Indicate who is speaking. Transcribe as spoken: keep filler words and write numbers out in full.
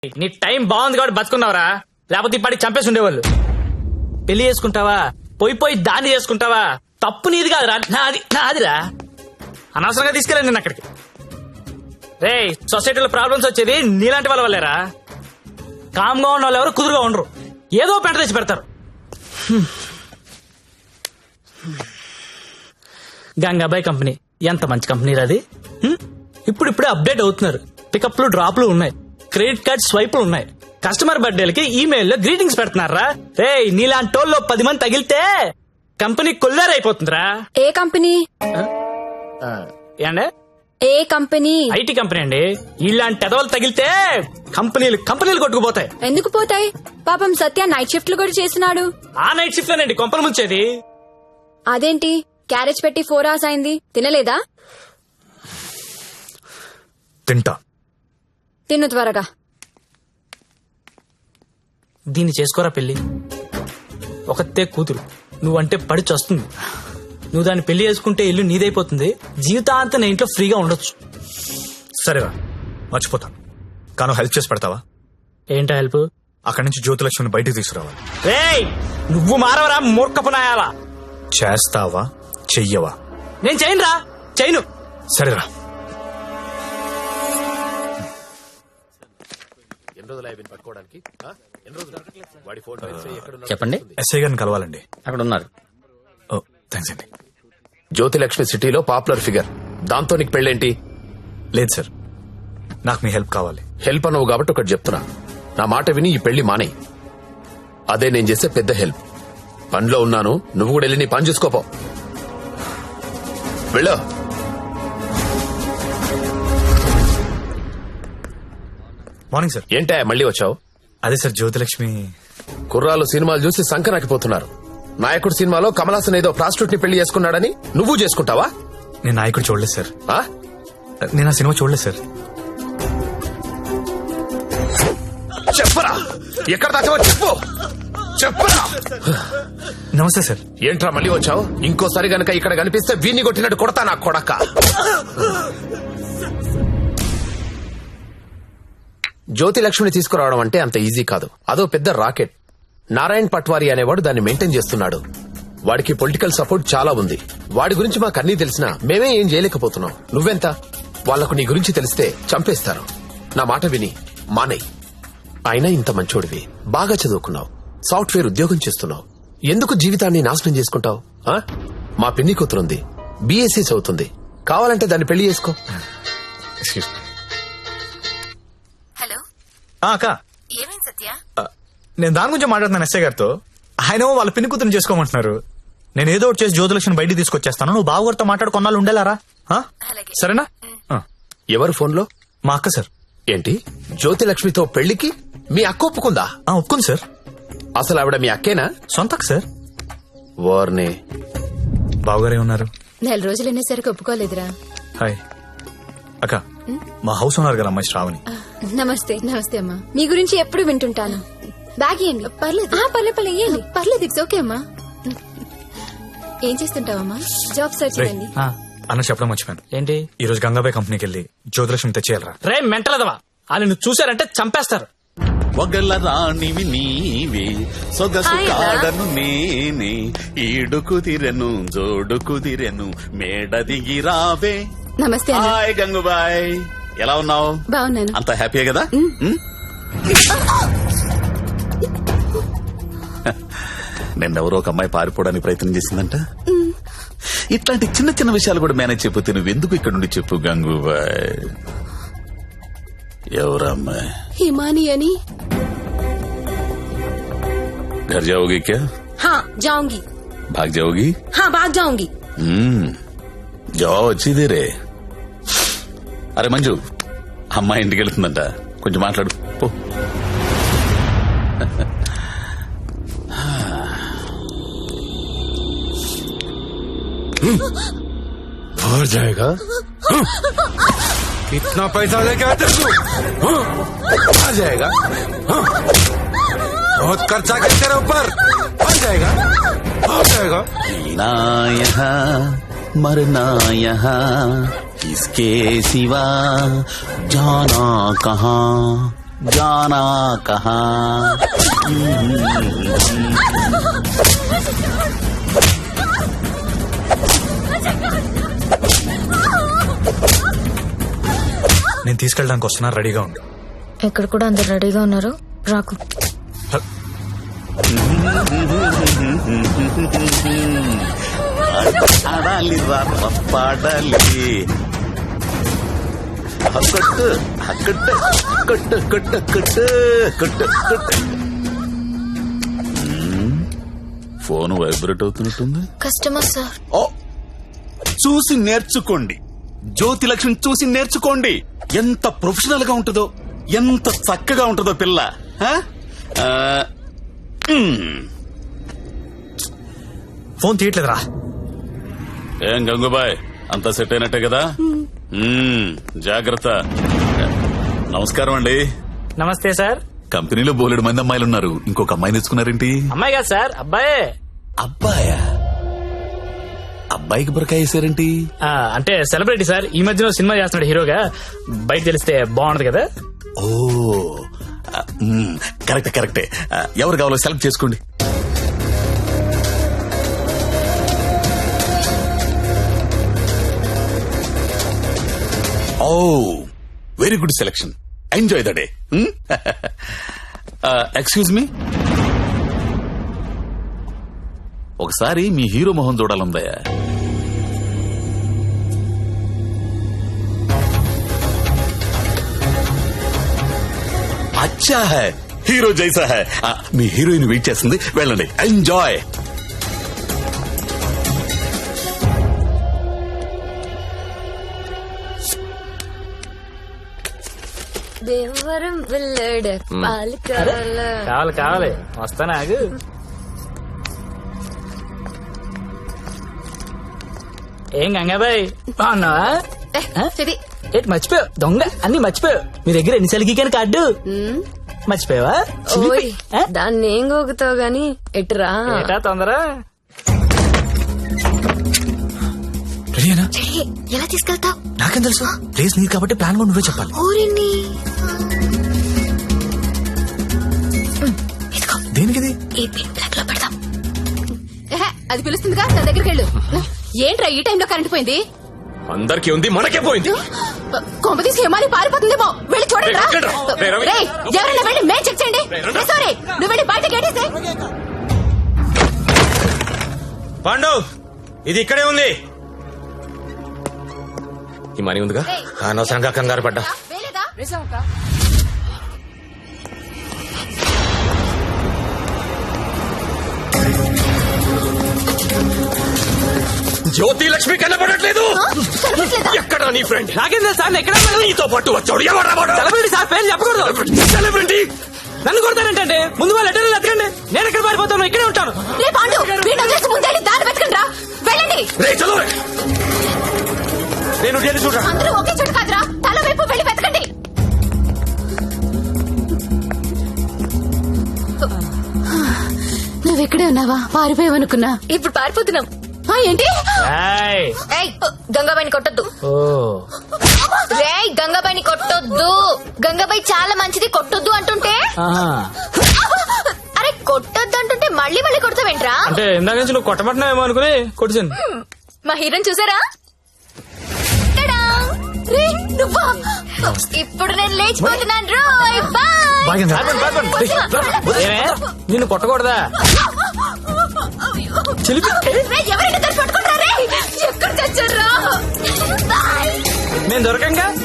Speaker 1: నీ టైం బాగుంది కాబట్టి బతుకున్నావురా, లేకపోతే ఇప్పటికి చంపేసి ఉండేవాళ్ళు. పెళ్లి చేసుకుంటావా, పోయి పోయి దాన్ని చేసుకుంటావా, తప్పు నీది కాదురా, నాది నాదిరా. అనవసరంగా తీసుకెళ్ళాను నేను అక్కడికి. రే, సొసైటీలో ప్రాబ్లమ్స్ వచ్చేది నీలాంటి వాళ్ళ వల్లేరా. కామ్గా ఉన్న వాళ్ళు ఎవరు కుదురుగా ఉండరు, ఏదో పెంట తెచ్చి పెడతారు. గంగాబాయ్ కంపెనీ ఎంత మంచి కంపెనీ అది. ఇప్పుడు ఇప్పుడే అప్డేట్ అవుతున్నారు. పికప్లు డ్రాప్లు ఉన్నాయి, క్రెడిట్ కార్డ్ స్వైపులు ఉన్నాయి. కస్టమర్ బర్త్డేలకి ఈమెయిల్లో గ్రీటింగ్స్ పెడుతున్నారా. రే, నీలాంటి టోల్లో పది మంది తగిలితే కంపెనీ కొల్లారైపోతుందిరా.
Speaker 2: ఏ కంపెనీ?
Speaker 1: ఏండే
Speaker 2: ఏ కంపెనీ?
Speaker 1: ఐటీ కంపెనీ అండి. ఇలాంటి ఎదవలు తగిలితే కంపెనీలు కంపెనీలు కొట్టుకుపోతాయి.
Speaker 2: ఎందుకు పోతాయి? పాపం సత్య నైట్ షిఫ్ట్లు కూడా చేస్తున్నాడు.
Speaker 1: ఆ నైట్ షిఫ్ట్ లోనండి కొంపలు ముంచేది.
Speaker 2: అదేంటి క్యారేజ్ పెట్టి ఫోర్ అవర్స్ అయింది, తినలేదా?
Speaker 3: తింటా.
Speaker 2: తిను త్వరగా.
Speaker 1: దీన్ని చేసుకోరా పెళ్లి. ఒకతే కూతురు, నువ్వంటే పడి చస్తుంది. నువ్వు దాన్ని పెళ్లి చేసుకుంటే ఇల్లు నీదైపోతుంది, జీవితాంతం నీ ఇంట్లో ఫ్రీగా ఉండొచ్చు.
Speaker 3: సరేరా, మర్చిపోతాను. కాను హెల్ప్ చేసి పెడతావా?
Speaker 1: ఏంటో హెల్ప్?
Speaker 3: అక్కడి నుంచి జ్యోతిలక్ష్మిని బయటకు తీసుకురావాలి.
Speaker 1: రేయ్, నువ్వు మారవరా మూర్ఖపు నాయాలా.
Speaker 3: చేస్తావా చెయ్యవా?
Speaker 1: నేను చేయనురా, చేయను.
Speaker 3: సరేరా.
Speaker 4: చెప్పండి.
Speaker 3: ఎస్ఐ గారిని కలవాలండి.
Speaker 4: అక్కడ ఉన్నారు.
Speaker 3: ఓ థ్యాంక్స్ అండి.
Speaker 5: జ్యోతిలక్ష్మి సిటీలో పాపులర్ ఫిగర్, దాంతో నీకు పెళ్ళేంటి?
Speaker 3: లేదు సార్, నాకు మీ హెల్ప్ కావాలి.
Speaker 5: హెల్ప్ అనవు కాబట్టి ఒకటి చెప్తున్నా, నా మాట విని ఈ పెళ్లి మానేయ్. అదే నేను చేసే పెద్ద హెల్ప్. పనిలో ఉన్నాను, నువ్వు కూడా వెళ్ళి నీ పని చూసుకోపో. వెళ్ళు.
Speaker 3: Morning sir.
Speaker 5: ఏంటా మళ్ళీ వచ్చావు?
Speaker 3: అదే సార్, జ్యోతిలక్ష్మి
Speaker 5: కుర్రాలు సినిమాలు చూసి సంకనాకిపోతున్నారు. నాయకుడు సినిమాలో కమలాసన్ ఏదో ప్రాస్టిట్యూట్ ని పెళ్లి చేసుకున్నాడని నువ్వు చేసుకుంటావా?
Speaker 3: నేను నాయకుడు చూడలేదు సార్.
Speaker 5: ఆ?
Speaker 3: నేను ఆ సినిమా చూడలేదు సార్.
Speaker 5: చెప్పరా, ఎక్కడ దాచావో చెప్పు. చెప్పరా.
Speaker 3: నమస్తే సార్.
Speaker 5: ఏంట్రా మళ్ళీ వచ్చావు? ఇంకోసారి గనక ఇక్కడ కనిపిస్తే వీణ్ణి కొట్టినట్టు కొడతా నా కొడక. జ్యోతిలక్ష్మిని తీసుకురావడం అంటే అంత ఈజీ కాదు. అదో పెద్ద రాకెట్. నారాయణ్ పట్వారీ అనేవాడు దాన్ని మెయింటైన్ చేస్తున్నాడు. వాడికి పొలిటికల్ సపోర్ట్ చాలా ఉంది. వాడి గురించి మాకు అన్నీ తెలిసినా మేమే ఏం చేయలేకపోతున్నాం. నువ్వెంత? వాళ్లకు నీ గురించి తెలిస్తే చంపేస్తారు. నా మాట విని మానేయ్. అయినా ఇంత మంచోడివి, బాగా చదువుకున్నావు, సాఫ్ట్వేర్ ఉద్యోగం చేస్తున్నావు, ఎందుకు జీవితాన్ని నాశనం చేసుకుంటావు? మా పిన్ని కూతురుంది, బీఎస్సీ చదువుతుంది, కావాలంటే దాన్ని పెళ్లి చేసుకో.
Speaker 2: హలో
Speaker 3: అక్క,
Speaker 2: ఏమైంది సత్య?
Speaker 3: నేను దాని గురించి మాట్లాడుతున్నాను ఎస్ఐ గారితో. ఆయన వాళ్ళ పిన్ని కూతురు చేసుకోమంటున్నారు. నేను ఏదో ఒకటి చేసి జ్యోతిలక్ష్మిని బయటికి తీసుకొచ్చేస్తాను. నువ్వు బావగారితో మాట్లాడు, కొన్నాళ్ళు ఉండేలారా? సరేనా?
Speaker 5: ఎవరు ఫోన్లో?
Speaker 3: మా అక్క సార్.
Speaker 5: ఏంటి, జ్యోతిలక్ష్మితో పెళ్లికి మీ అక్క ఒప్పుకుందా?
Speaker 3: ఒప్పుకుంది సార్.
Speaker 5: అసలు ఆవిడ మీ అక్కేనా?
Speaker 3: సొంత అక్క సార్.
Speaker 5: వార్నే.
Speaker 3: బావగారే ఉన్నారు.
Speaker 2: నెల రోజులు అనేసరికి ఒప్పుకోలేదురా.
Speaker 3: హాయ్ అక్క, మా హౌస్ ఓనర్ గారు అమ్మాయి శ్రావణి.
Speaker 2: నమస్తే. నమస్తే అమ్మా. మీ గురించి ఎప్పుడు వింటుంటాను. బ్యాగ్ ఇవ్వండి. పర్లేదు పర్లేదు పర్లేదు ఇవ్వండి. పర్లేదు, ఇట్స్ ఓకే అమ్మా. ఏం చేస్తుంటావమ్మా? జాబ్ సర్చ్ చేయండి.
Speaker 3: అన్న చెప్పడం మర్చిపోయాను.
Speaker 1: ఏంటి?
Speaker 3: ఈ రోజు గంగాబాయ్ కంపెనీకి వెళ్ళి జ్యోతిలక్ష్మి తెచ్చేయాలరా.
Speaker 1: రే మెంటలదవా, వాళ్ళు నువ్వు చూసారంటే చంపేస్తారు.
Speaker 6: ఒగల రాణివి నీవే, సొగసు కాడను నేనే, ఈడు కుదిరెను జోడు కుదిరెను, మేడ దిగి రావే.
Speaker 2: నమస్తే.
Speaker 6: హాయ్ గంగుబాయ్, ఎలా ఉన్నావు?
Speaker 2: బాగున్నాను.
Speaker 6: అంత హ్యాపీయే కదా? నిన్నెవరో ఒక అమ్మాయి పారిపోవడానికి ప్రయత్నం చేసిందంట. ఇట్లాంటి చిన్న చిన్న విషయాలు కూడా మేనేజ్ చెప్పితే నువ్వెందుకు ఇక్కడ నుండి చెప్పు గంగుబాయ్. ఎవరమ్మాయి?
Speaker 2: హిమాని అని.
Speaker 6: घर जाओगी क्या?
Speaker 2: हाँ जाऊंगी.
Speaker 6: भाग जाओगी?
Speaker 2: हाँ भाग जाऊंगी.
Speaker 6: हम्म, जाओ अच्छी देरे. అరే మంజు, అమ్మాయి ఇంటికి వెళ్తుందంట, కొంచెం మాట్లాడు పో.
Speaker 5: और जाएगा?
Speaker 7: कितना पैसा लेके आते तू? आ जाएगा? बहुत खर्चा कर तेरे ऊपर. आ जाएगा? आ जाएगा?
Speaker 6: जीना यहाँ मरना यहाँ, इसके सिवा जाना कहाँ. జానా కహా
Speaker 3: నేను తీసుకెళ్ళడానికి వస్తున్నా, రెడీగా ఉండు.
Speaker 2: ఇక్కడ కూడా అందరు రెడీగా ఉన్నారు, రాకు.
Speaker 6: ఆడాలి రా పాడాలి కొట్టు కొట్టు కొట్టు కొట్టు కొట్టు కొట్టు కొట్టు. ఫోన్ వైబ్రేట్ అవుతున్నట్టుంది.
Speaker 2: Customer sir.
Speaker 6: ఓ చూసి నేర్చుకోండి, జ్యోతి లక్ష్మి చూసి నేర్చుకోండి. ఎంత ప్రొఫెషనల్ గా ఉంటుందో, ఎంత చక్కగా ఉంటుందో పిల్ల. ఆ? ఆ, మ్.
Speaker 3: ఫోన్ తీయట్లేదురా.
Speaker 6: ఏం గంగుబాయ్, అంతా సెట్ అయినట్టే కదా? మ్మ్, జాగ్రత్త. నమస్కారం అండి.
Speaker 1: నమస్తే సార్.
Speaker 6: కంపెనీలో బోలెడు మంది అమ్మాయిలు ఉన్నారు, ఇంకొక అమ్మాయి తెచ్చుకున్నారేంటి?
Speaker 1: అమ్మాయి కాదు సార్, అబ్బాయే.
Speaker 6: అబ్బాయా? అబ్బాయికి బురకాయ వేసారేంటి?
Speaker 1: ఆ, అంటే సెలబ్రిటీ సార్, ఈ మధ్యలో సినిమా చేస్తున్నాడు హీరోగా. బయట తెలిస్తే బాగుండదు కదా.
Speaker 6: ఓ ఆ, మ్మ్, కరెక్టే కరెక్టే. ఆ, ఎవరు కావాలో సెలెక్ట్ చేసుకోండి. Oh very good selection, enjoy the day. Excuse me, ఒకసారి మీ హీరో మొహం చూడాలందయ్యా. అచ్చా హై, హీరో జైసా హై. ఆ, మీ హీరోయిన్ వెయిట్ చేస్తుంది, వెళ్ళండి, ఎంజాయ్.
Speaker 2: దేవరం వెళ్ళాడు పాలకాల.
Speaker 1: కావాలి కావాలి, వస్తానా ఆగు. ఏం గంగాబాయ్ బాగున్నావా?
Speaker 2: చెది
Speaker 1: ఏంటి మర్చిపోయావు? దొంగ అన్ని మర్చిపోయావు. మీ దగ్గర ఎన్నిసార్లు గీకాను కార్డు మర్చిపోయావా?
Speaker 2: ఓయ్ దాన్ని ఏం గోగుతావు గాని ఎటురా.
Speaker 1: ఏటా తొందర?
Speaker 3: రెడీనా?
Speaker 2: ఎలా తీసుకెళ్తావు?
Speaker 3: నాకేం తెలుసు, ప్లేస్ నీది కాబట్టి ప్లాన్ కూడా నువ్వే చెప్పాలి.
Speaker 2: ఊరిని
Speaker 3: దేనికిది?
Speaker 2: ఈ పిన్ బ్లాక్ లో పెడదాం. అది పిలుస్తుందిగా, నా దగ్గరికి వెళ్ళు. ఏంట్రా ఈ టైంలో కరెంట్ పోయింది?
Speaker 5: అందరికీ ఉంది, మనకే పోయింది.
Speaker 2: కొంపతీసి హిమాలి పారిపోతుందేమో, వెళ్ళి చూడండి రా. రేయ్, ఎవరైనా వెళ్ళి మేం చెక్ చేయండి. సారీ, నువ్వు వెళ్ళి బయట గేటేసే.
Speaker 7: పాండు, ఇది ఇక్కడే ఉంది.
Speaker 5: ఈ మనీ ఉందిగా, అనవసరంగా కంగారు పడ్డా.
Speaker 2: వేలేదా?
Speaker 5: జ్యోతి లక్ష్మి కనపడట్లేదు. ఎక్కడ నీ ఫ్రెండ్?
Speaker 1: నాకేం తెలుసు సార్, ఎక్కడ
Speaker 5: నీతో పాటు వచ్చాడు ఎవరా వాడు?
Speaker 1: సెలబ్రిటీ సార్, పేరు చెప్పకూడదు.
Speaker 5: సెలబ్రిటీ
Speaker 1: నన్ను కొడతానంటే ముందు వాళ్ళు లెటర్లు ఎత్తకండి. నేను ఎక్కడ పారిపోతాను, ఇక్కడే ఉంటాను.
Speaker 2: రే పాండు, వీడిని వదిలేసి ముందే దారి వెతకండి రా. వెళ్ళండి.
Speaker 5: రే చలో, నేను వెళ్ళి చూడరా.
Speaker 2: అందరూ ఒకే చోటు కాదురా, తల వైపు వెళ్ళి వెతకండి. నువ్వెక్కడే ఉన్నావా? పారిపోయావనుకున్నా. ఇప్పుడు పారిపోతున్నాం. ఏంటి? గంగాబాయిని కొట్టొద్దు.
Speaker 1: ఓ
Speaker 2: రే గంగాబాయిని కొట్టొద్దు. గంగాబాయి చాలా మంచిది, కొట్టొద్దు అంటుంటే. అరే కొట్టొద్దు అంటుంటే మళ్ళీ మళ్ళీ కొడతావేంట్రా?
Speaker 1: అంటే ఇందాక నుంచి నువ్వు కొట్టబట్టినావేమో అనుకుని కొట్టించాను.
Speaker 2: మా హీరోని చూసారా? రే నువ్వా? ఇప్పుడు నేను లేచిపోతున్నాను రోయ్. బాయ్.
Speaker 1: నిన్ను కొట్టకూడదా?
Speaker 2: ఎవరైనా దాన్ని పట్టుకుంటారా? ఎక్కడ చచ్చారా?
Speaker 1: నేను దొరకంగా